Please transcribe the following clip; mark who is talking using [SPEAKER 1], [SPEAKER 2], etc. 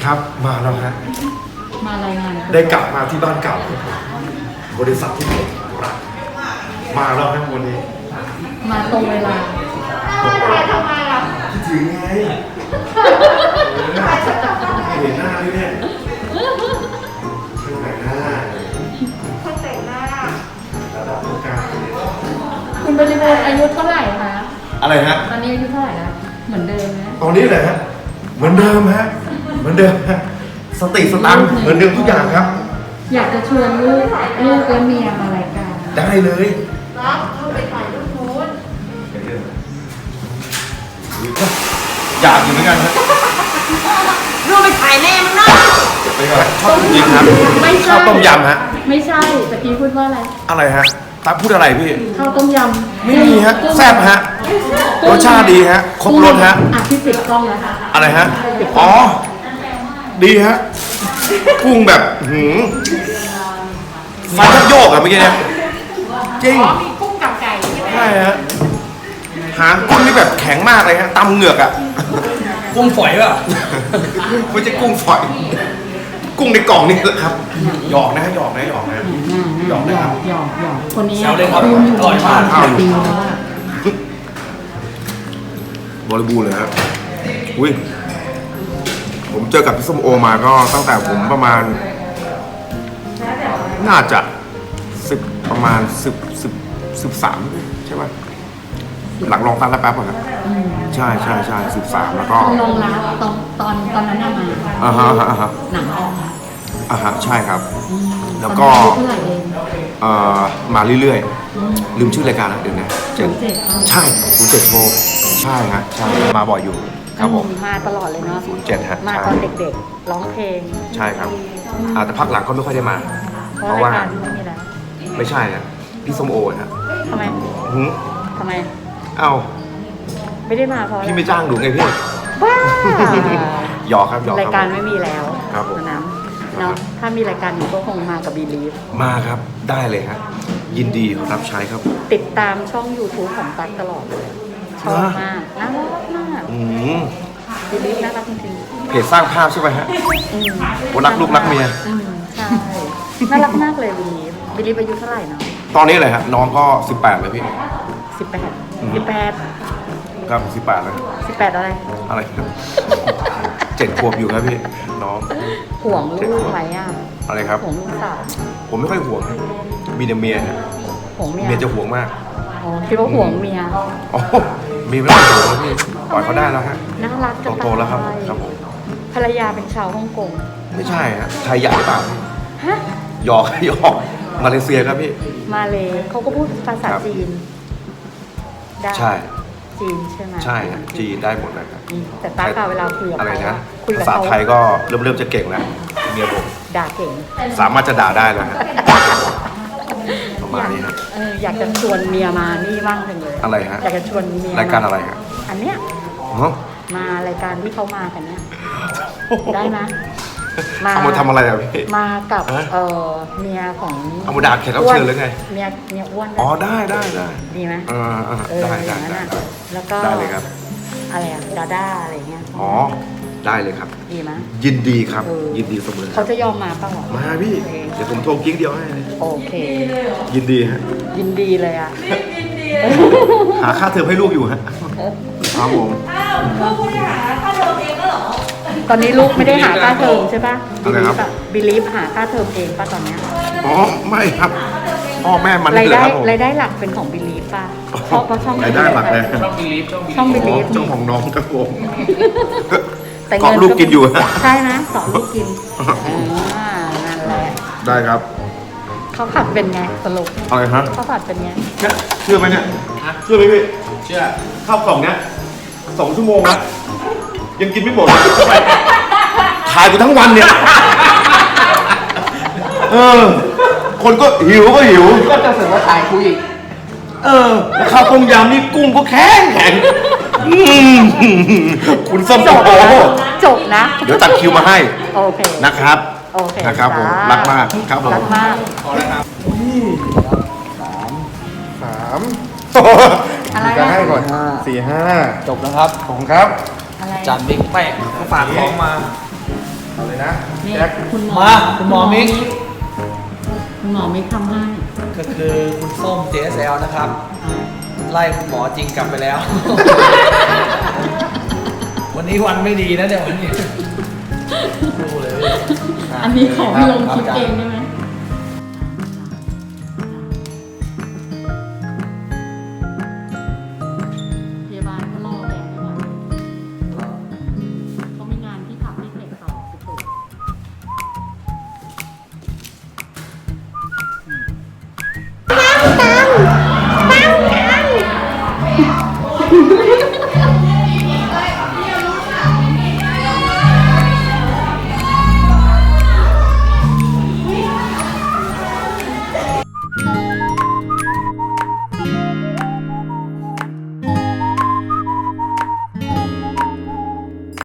[SPEAKER 1] ครับมาแล้วฮะ
[SPEAKER 2] มารายงาน
[SPEAKER 1] ได้กลับมาที่บ้านเก่าบริษัทที่ผมรักมาแล้วฮะวันนี้
[SPEAKER 2] มาตรงเวลาทำไมอ่ะ
[SPEAKER 1] คิดถึงไงเห็นหน้าด้วยเนี่ยแต่งหน้าระดับผู้การ
[SPEAKER 2] คุณบริบูรณ์อายุเท่าไหร่คะ
[SPEAKER 1] อะไรฮะ
[SPEAKER 2] ตอนนี้อายุเท่าไหร่แล้วเหมือนเดิมไหม
[SPEAKER 1] ตอนนี้แหละฮะเหมือนเดิมฮะเหมือนเดิมฮะสติสตังค์เหมือนเดิมทุกอย่างครับ
[SPEAKER 2] อยากจะชวนลูกและเมียมารายการ
[SPEAKER 1] ได้เลย
[SPEAKER 2] รับเข้าไปถ่ายรูปโพส
[SPEAKER 1] อยากอยู่เหมือนกันครับ
[SPEAKER 2] รูปไปถ่ายแน่มั้งนะ
[SPEAKER 1] ไปก่อนชอบจริงครับ
[SPEAKER 2] ไม่ใช่
[SPEAKER 1] ข้าวต้มยำฮะ
[SPEAKER 2] ไม่ใช่ตะกี้พูดว่าอะไร
[SPEAKER 1] อะไรฮะตั๊กพูดอะไรพี่
[SPEAKER 2] ข้าวต้มยำ
[SPEAKER 1] ไม่มีฮะแซ่บฮะรสชาติดีฮะครบรสฮะ
[SPEAKER 2] ที่ติดกล้องแล้ว
[SPEAKER 1] อะไรฮะอ๋อดีฮะกุ้งแบบฟันทับโยกอะเมื่อกี้เนี่ยจริง
[SPEAKER 2] มีกุ้งกับไก่
[SPEAKER 1] ใช่ฮะหางกุ้งนี่แบบแข็งมากเลยฮะตำเหงือกอะ
[SPEAKER 3] กุ้งฝอยป่ะ
[SPEAKER 1] ไม่ใช่กุ้งฝอยกุ้งในกล่องนี่แหละครับหยอกนะหยอกนะหยอกนะหยอกนะครับ
[SPEAKER 2] หยอกคนนี้
[SPEAKER 3] แซวเลยครับอร่อยมาก
[SPEAKER 2] ปีแล้วอะ
[SPEAKER 1] บริบูรณ์เลยครับอุ้ยผมเจอกับพี่ส้มโอมาก็ตั้งแต่ผมประมาณน่าจะประมาณ13ใช่ไหมหลังลองตั้งแล้วแป๊บก่อนครับใช่13แล้วก็
[SPEAKER 2] ลองรับตอนนั้นมาหนังออก
[SPEAKER 1] ใช่ครับแล้วก็มาเรื่อยๆลืมชื่อรายการแล้วเดี๋ยวนะใช่07โชว์ใช่ฮะใช่มาบ่อยอยู่ครับผม
[SPEAKER 2] มาตลอดเลยเนาะ
[SPEAKER 1] 07ฮะ
[SPEAKER 2] มาตอนเด็กๆร้องเพลง
[SPEAKER 1] ใช่ครับแต่พักหลังก็ไม่ค่อยได้มาเพราะว่าไม่ใช่นะพี่ส้มโอฮะ
[SPEAKER 2] ทำไม
[SPEAKER 1] เอ้า
[SPEAKER 2] ไม่ได้มาเพราะ
[SPEAKER 1] พี่ไม่จ้างหนูไงพี่
[SPEAKER 2] ว้า
[SPEAKER 1] หยอกครับหยอก
[SPEAKER 2] รายการไม่มีแล้ว
[SPEAKER 1] ครับผม
[SPEAKER 2] นะเนาะถ้ามีรายการอยู่ก็คงมากับบีลีฟ
[SPEAKER 1] มาครับได้เลยครับยินดีรับใช้ครับ
[SPEAKER 2] ติดตามช่อง YouTube ของตั๊กตลอดเลยชอบมากน่ารักมากบีลีฟน่ารักจริง
[SPEAKER 1] ๆเพจสร้างภาพใช่ไหมฮะรักลูกรักเมีย
[SPEAKER 2] ใช่น่ารักมากเลยบีลีฟอายุเท่าไหร่เนาะ
[SPEAKER 1] ตอนนี้เลยฮะน้องก็18เลยพี่
[SPEAKER 2] 18
[SPEAKER 1] ครับ18แล้ว
[SPEAKER 2] 18อะไร
[SPEAKER 1] ครับ7 ขวบอยู่ครับพี่น้อง
[SPEAKER 2] ห่วงลูกไหมอ่ะ
[SPEAKER 1] อะไรครับ
[SPEAKER 2] ห่วงลูกสาว
[SPEAKER 1] ผมไม่ค่อยห่วงมีแต่เมียฮะ
[SPEAKER 2] ห่วงเมีย
[SPEAKER 1] จะห่วงมาก
[SPEAKER 2] อ๋อคิดว่าห่วงเมีย
[SPEAKER 1] มีไม่ต้องห่วงพี่ปล่อยเขาได้แล้วฮะ
[SPEAKER 2] น่ารัก
[SPEAKER 1] โตแล้วครับครับผม
[SPEAKER 2] ภรรยาเป็นชาวฮ่องกง
[SPEAKER 1] ไม่ใช่ฮะไทยใหญ่เปล่า
[SPEAKER 2] ฮะ
[SPEAKER 1] หยอกมาเลเซียครับพี่
[SPEAKER 2] มาเลยเขาก็พูดภาษาจีนได้
[SPEAKER 1] ใช่
[SPEAKER 2] จีนใช่ไหม
[SPEAKER 1] ใช่จีนได้หมดเลยครับ
[SPEAKER 2] แต่ตาเวลาคุยกับ
[SPEAKER 1] อะไรนะภาษาไทยก็เริ่มจะเก่งแล้วเมียผม
[SPEAKER 2] ด่าเก่ง
[SPEAKER 1] สามารถจะด่าได้แล้วฮะประมาณนี้ครับ
[SPEAKER 2] อยากจะชวนเมียมานี่บ้างเลย
[SPEAKER 1] อะไรฮะ
[SPEAKER 2] อยากจะชวนเมีย
[SPEAKER 1] รายการอะไรครับ
[SPEAKER 2] อันเนี้ยมารายการที่เขามากันเนี้ยได้ไหม
[SPEAKER 1] เอามาทำอะไรอ่ะพี่
[SPEAKER 2] มากับเมียของ
[SPEAKER 1] เอามาด่าแขกรับเชิญหรือไง
[SPEAKER 2] เมียอ้วน
[SPEAKER 1] อ๋อได้
[SPEAKER 2] ดีไหม
[SPEAKER 1] ได้
[SPEAKER 2] แล้วก็
[SPEAKER 1] ได้เลยครับ
[SPEAKER 2] อะไรอ่ะดาด้าอะไรเงี้ย
[SPEAKER 1] อ๋อได้เลยครับ
[SPEAKER 2] ดีไหม
[SPEAKER 1] ยินดีครับยินดีเสมอ
[SPEAKER 2] เขาจะยอมมาป่ะหรอ
[SPEAKER 1] มาพี่เดี๋ยวผมโทรกิ๊กเดียวให้
[SPEAKER 2] โอเค
[SPEAKER 1] ยินดีฮะ
[SPEAKER 2] ยินดีเลยอ่ะ
[SPEAKER 1] หาค่าเทอมให้ลูกอยู่ฮะครับผม
[SPEAKER 2] ลูกหาค่าเทอมเองก็หรอตอนนี้ลูกไม่ได้หาค่าเทอมใช่ป่ะบิลีฟหาค่าเทอมเองป่ะตอนนี้
[SPEAKER 1] อ๋อไม่ครับพ่อแม่มัน
[SPEAKER 2] รายได้หลักเป็นของบิลีฟป่ะเพราะช่อง
[SPEAKER 1] รายได้หลักเลย
[SPEAKER 2] ช่องบิลีฟ
[SPEAKER 1] ช่องของน้องครับผมเกาะลูกกินอยู่
[SPEAKER 2] ใช่นะสอนลูกกินนั่นแหละ
[SPEAKER 1] ได้ครับ
[SPEAKER 2] เขาผัดเป็นไงสรุป
[SPEAKER 1] อะไรฮะ
[SPEAKER 2] เขาผัดเป็นไง
[SPEAKER 1] เชื่อไหมเนี่ยเชื่อไหมพี่เชื่อข้าวกล่องเนี้ย2 ชั่วโมงนะยังกินไม่หมดขายกูทั้งวันเนี่ยคนก็หิวก็
[SPEAKER 3] จะเสริมว่าขายกูอีก
[SPEAKER 1] ข้าวต้มยำนี่กุ้งก็แข็งคุณส้มโอ
[SPEAKER 2] จบนะ
[SPEAKER 1] เดี๋ยวตัดคิวมาให้
[SPEAKER 2] โอเค
[SPEAKER 1] นะครับ
[SPEAKER 2] โอเค
[SPEAKER 1] นะครับผมรักมากครับผม
[SPEAKER 2] รักมาก
[SPEAKER 1] 3อะไรจะให้ก่อน4 5
[SPEAKER 3] จบแล้วครับ
[SPEAKER 1] ของครับ
[SPEAKER 3] จานบิ๊กแป้งฝากของมา
[SPEAKER 1] เอาเลยนะ
[SPEAKER 2] นี่
[SPEAKER 1] แจ็ค
[SPEAKER 2] คุณหมอ
[SPEAKER 3] มาคุณหมอมิก
[SPEAKER 2] คุณหมอมิกทำให้
[SPEAKER 3] ก็คือคุณส้ม JSL นะครับ ไล่คุณหมอจริงกลับไปแล้ว วันนี้วันไม่ดีนะเดี๋ยววันนี้ดูเลย
[SPEAKER 2] อันนี้ขอไปลงคลิปเองได้ไหม